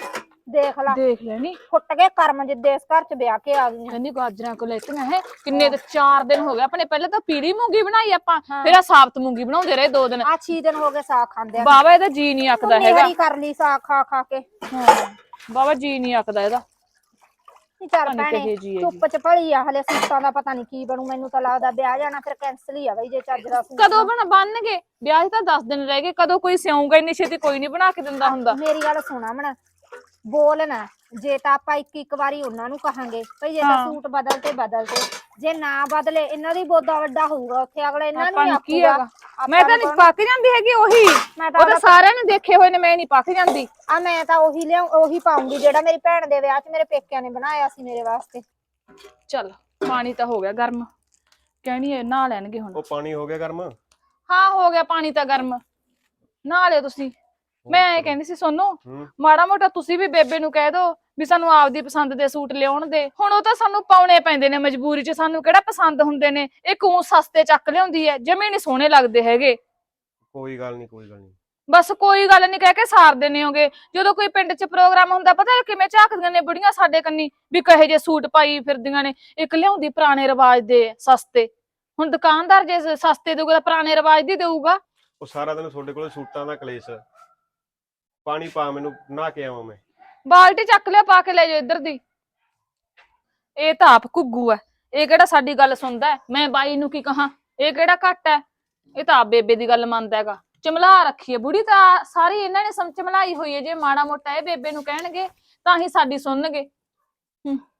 ਦੇਖ ਲਾ ਦੇਖ ਲੈਣੀ ਫੁੱਟ ਕੇ ਕਰਮ ਜਿੱਦੇ ਇਸ ਘਰ ਚ ਵਿਆਹ ਕੇ ਆ ਗਈਆਂ। ਕਹਿੰਦੀ ਗਾਜਰਾਂ ਕੋ ਲੈਤੀਆਂ ਹੈ ਕਿੰਨੇ ਤੇ 4 ਦਿਨ ਹੋ ਗਏ ਆਪਣੇ ਪਹਿਲਾਂ ਤਾਂ ਪੀਲੀ ਮੂੰਗੀ ਬਣਾਈ ਆਪਾਂ ਹਾਂ। ਫਿਰ ਆ ਸਾਬਤ ਮੂੰਗੀ ਬਣਾਉਂਦੇ ਰਹੇ 2 ਦਿਨ ਆ 6 ਦਿਨ ਹੋ ਗਏ ਸਾਗ ਖਾਂਦੇ ਆ। ਬਾਬਾ ਇਹਦਾ ਜੀ ਨਹੀਂ ਆਕਦਾ ਹੈਗਾ ਨਿਹਰੀ ਕਰ ਲਈ ਸਾਗ ਖਾ ਖਾ ਕੇ। ਬਾਬਾ ਜੀ ਨਹੀਂ ਆਕਦਾ ਇਹਦਾ ਨਹੀਂ ਚੱਲ ਪਤਾ ਨੀ ਭੈਣੇ ਕਿਹੇ ਜਿਹੀ ਹੈਗੀ। ਧੁੱਪ ਚ ਭਲੀ ਆ ਹਲੇ ਸੂਟਾਂ ਦਾ ਪਤਾ ਨਹੀਂ ਕੀ ਬਣੂ ਮੈਨੂੰ ਤਾਂ ਲੱਗਦਾ ਵਿਆਹ ਜਾਣਾ ਫਿਰ ਕੈਂਸਲ ਹੀ ਆ ਬਈ ਜੇ ਚੱਜ ਦਾ ਸੂਟ ਕਦੋਂ ਬਣਨਗੇ ਵਿਆਹ 'ਚ ਤਾਂ 10 ਦਿਨ ਰਹਿ ਗਏ ਕਦੋਂ ਕੋਈ ਸਿਉਂਗਾ ਇੰਨੀ ਛੇਤੀ ਕੋਈ ਨਹੀਂ ਬਣਾ ਕੇ ਦਿੰਦਾ ਹੁੰਦਾ ਮੇਰੀ ਗੱਲ ਸੁਣਾ ਮਣਾ ਬੋਲ ਨਾ ਜੇ ਤਾਂ ਆਪਾਂ ਇੱਕ ਵਾਰੀ ਉਹਨਾਂ ਨੂੰ ਕਹਾਂਗੇ ਭਈ ਜੇ ਤਾਂ ਹਾਂ। ਸੂਟ ਬਦਲ ਤੇ ਜੇ ਨਾ ਬਦਲੇ ਇਹਨਾਂ ਦੀ ਬੋਦਾ ਵੱਡਾ ਹੋਊਗਾ ਉੱਥੇ ਅਗਲੇ ਇਹਨਾਂ ਨੂੰ ਆਪਾਂ ਹੀ ਨੂੰ ਕੀ ਆਖੂਗਾ ਹੈਗਾ ਮੈਂ ਤਾਂ ਨਹੀਂ ਪਾ ਕੇ ਜਾਂਦੀ ਹੈਗੀ ਉਹੀ ਮੈਂ ਉਹ ਤਾਂ ਸਾਰਿਆਂ ਨੇ ਦੇਖੇ ਹੋਏ ਨੇ ਮੈਂ ਨਹੀਂ ਪਾ ਕੇ ਜਾਂਦੀ ਆ ਮੈਂ ਤਾਂ ਉਹੀ ਪਾਉਂਗੀ ਜਿਹੜਾ ਮੇਰੀ ਭੈਣ ਦੇ ਵਿਆਹ 'ਚ ਮੇਰੇ ਪੇਕਿਆਂ ਨੇ ਬਣਾਇਆ ਸੀ ਮੇਰੇ ਵਾਸਤੇ। ਚੱਲ ਪਾਣੀ ਤਾਂ ਹੋ ਗਿਆ ਗਰਮ ਕਹਿਣੀ ਹੈ ਨਹਾ ਲੈਣਗੇ ਹੁਣ ਉਹ ਪਾਣੀ ਹੋ ਗਿਆ ਗਰਮ? ਹਾਂ ਹੋ ਗਿਆ ਪਾਣੀ ਤਾਂ ਗਰਮ ਨਹਾ ਲਿਓ ਤੁਸੀਂ ਮੈਂ ਇਹ ਕਹਿੰਦੀ ਸੀ ਸੋਨੂੰ ਹੂੰ। ਮਾੜਾ ਮੋਟਾ ਤੁਸੀਂ ਵੀ ਬੇਬੇ ਨੂੰ ਕਹਿ ਦੋ ਵੀ ਸਾਨੂੰ ਆਪਦੀ ਪਸੰਦ ਦੇ ਸੂਟ ਲਿਆਉਣ ਦੇ ਹੁਣ ਉਹ ਤਾਂ ਸਾਨੂੰ ਪਾਉਣੇ ਪੈਂਦੇ ਨੇ ਮਜਬੂਰੀ 'ਚ ਸਾਨੂੰ ਕਿਹੜਾ ਪਸੰਦ ਹੁੰਦੇ ਨੇ ਇਹ ਕਿਉਂ ਸਸਤੇ ਚੱਕ ਲਿਆਉਂਦੀ ਹੈ ਜਮੇ ਨਹੀਂ ਸੋਹਣੇ ਲੱਗਦੇ ਹੈਗੇ ਕੋਈ ਗੱਲ ਨਹੀਂ ਕੋਈ ਗੱਲ ਨਹੀਂ। ਬਸ ਕੋਈ ਗੱਲ ਨਹੀਂ ਕਹਿ ਕੇ ਸਾਰਦੇ ਨੇ ਹੋਗੇ ਜਦੋਂ ਕੋਈ ਪਿੰਡ 'ਚ ਪ੍ਰੋਗਰਾਮ ਹੁੰਦਾ ਪਤਾ ਕਿਵੇਂ ਝਾਕਦੀਆਂ ਨੇ ਬੁੜੀਆਂ ਸਾਡੇ ਕੰਨੀ ਵੀ ਕਹੇ ਜੇ ਸੂਟ ਪਾਈ ਫਿਰਦੀਆਂ ਨੇ ਇੱਕ ਲਿਆਉਂਦੀ ਪੁਰਾਣੇ ਰਿਵਾਜ ਦੇ ਸਸਤੇ ਹੁਣ ਦੁਕਾਨਦਾਰ ਜੇ ਸਸਤੇ ਦੇਊਗਾ ਤਾਂ ਪੁਰਾਣੇ ਰਿਵਾਜ ਦੀ ਦੇਊਗਾ ਉਹ ਸਾਰਾ ਦਿਨ ਤੁਹਾਡੇ ਕੋਲ ਸੂਟਾਂ ਦਾ ਕਲੇਸ਼। ਪਾਣੀ ਪਾ ਮੈਨੂੰ ਨਹਾ ਕੇ ਆਵਾਂ ਮੈਂ। ਬਾਲਟੀ ਚੱਕ ਲਿਆ ਪਾ ਕੇ ਲੈ ਜਾਓ ਇੱਧਰ ਦੀ ਇਹ ਤਾਂ ਆਪ ਘੁੱਗੂ ਐ ਇਹ ਕਿਹੜਾ ਸਾਡੀ ਗੱਲ ਸੁਣਦਾ ਮੈਂ ਬਾਈ ਨੂੰ ਕੀ ਕਹਾਂ ਇਹ ਕਿਹੜਾ ਘੱਟ ਐ ਇਹ ਤਾਂ ਆਪ ਬੇਬੇ ਦੀ ਗੱਲ ਮੰਨਦਾ ਹੈਗਾ ਚਮਲਾ ਰੱਖੀ ਹੈ ਬੁੜੀ ਤਾਂ ਸਾਰੀ ਇਹਨਾਂ ਨੇ ਚਮਲਾਈ ਹੋਈ ਹੈ ਜੇ ਮਾੜਾ ਮੋਟਾ ਇਹ ਬੇਬੇ ਨੂੰ ਕਹਿਣਗੇ ਤਾਂ ਹੀ ਸਾਡੀ ਸੁਣਨਗੇ